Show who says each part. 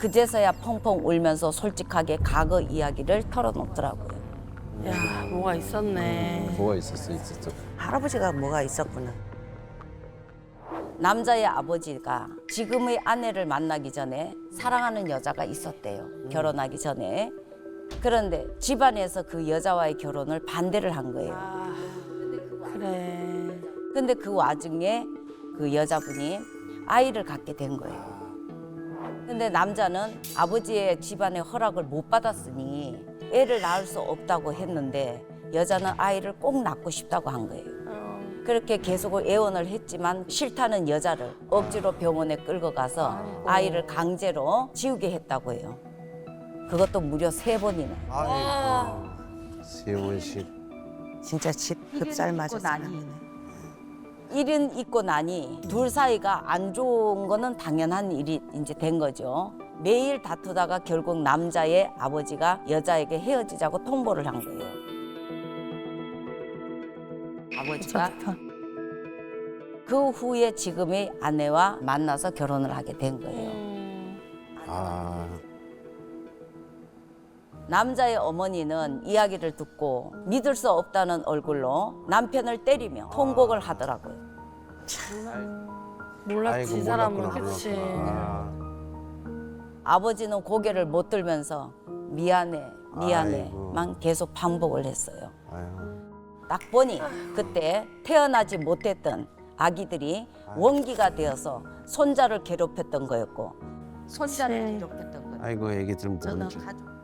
Speaker 1: 그제서야 펑펑 울면서 솔직하게 과거 이야기를 털어놓더라고요.
Speaker 2: 야, 뭐가 있었네.
Speaker 3: 뭐가 있었어.
Speaker 4: 할아버지가 뭐가 있었구나.
Speaker 1: 남자의 아버지가 지금의 아내를 만나기 전에 사랑하는 여자가 있었대요. 결혼하기 전에. 그런데 집안에서 그 여자와의 결혼을 반대를 한 거예요.
Speaker 2: 아, 그래.
Speaker 1: 근데 그 와중에 그 여자분이 아이를 갖게 된 거예요. 근데 남자는 아버지의 집안의 허락을 못 받았으니 애를 낳을 수 없다고 했는데 여자는 아이를 꼭 낳고 싶다고 한 거예요. 그렇게 계속 애원을 했지만 싫다는 여자를 억지로 병원에 끌고 가서 아이를 강제로 지우게 했다고 해요. 그것도 무려 3번이나.
Speaker 3: 아이고. 세원씨.
Speaker 4: 진짜 집 흡살 맞은
Speaker 1: 나니.
Speaker 4: 사람이네.
Speaker 1: 일은 있고 나니 둘 사이가 안 좋은 거는 당연한 일이 이제 된 거죠. 매일 다투다가 결국 남자의 아버지가 여자에게 헤어지자고 통보를 한 거예요. 아버지가 그 후에 지금의 아내와 만나서 결혼을 하게 된 거예요.
Speaker 3: 아.
Speaker 1: 남자의 어머니는 이야기를 듣고 믿을 수 없다는 얼굴로 남편을 때리며 통곡을 하더라고요.
Speaker 2: 몰랐지, 이 사람은.
Speaker 3: 몰랐구나,
Speaker 2: 그치.
Speaker 3: 몰랐구나.
Speaker 1: 아버지는 고개를 못 들면서 미안해,
Speaker 3: 아이고.
Speaker 1: 미안해만 계속 반복을 했어요.
Speaker 3: 아유.
Speaker 1: 딱 보니 그때 태어나지 못했던 아기들이 원기가 되어서 손자를 괴롭혔던 거였고 손자를 괴롭혔던 거예요.
Speaker 3: 아이고 애기들
Speaker 1: 저는
Speaker 3: 모르지.
Speaker 1: 가족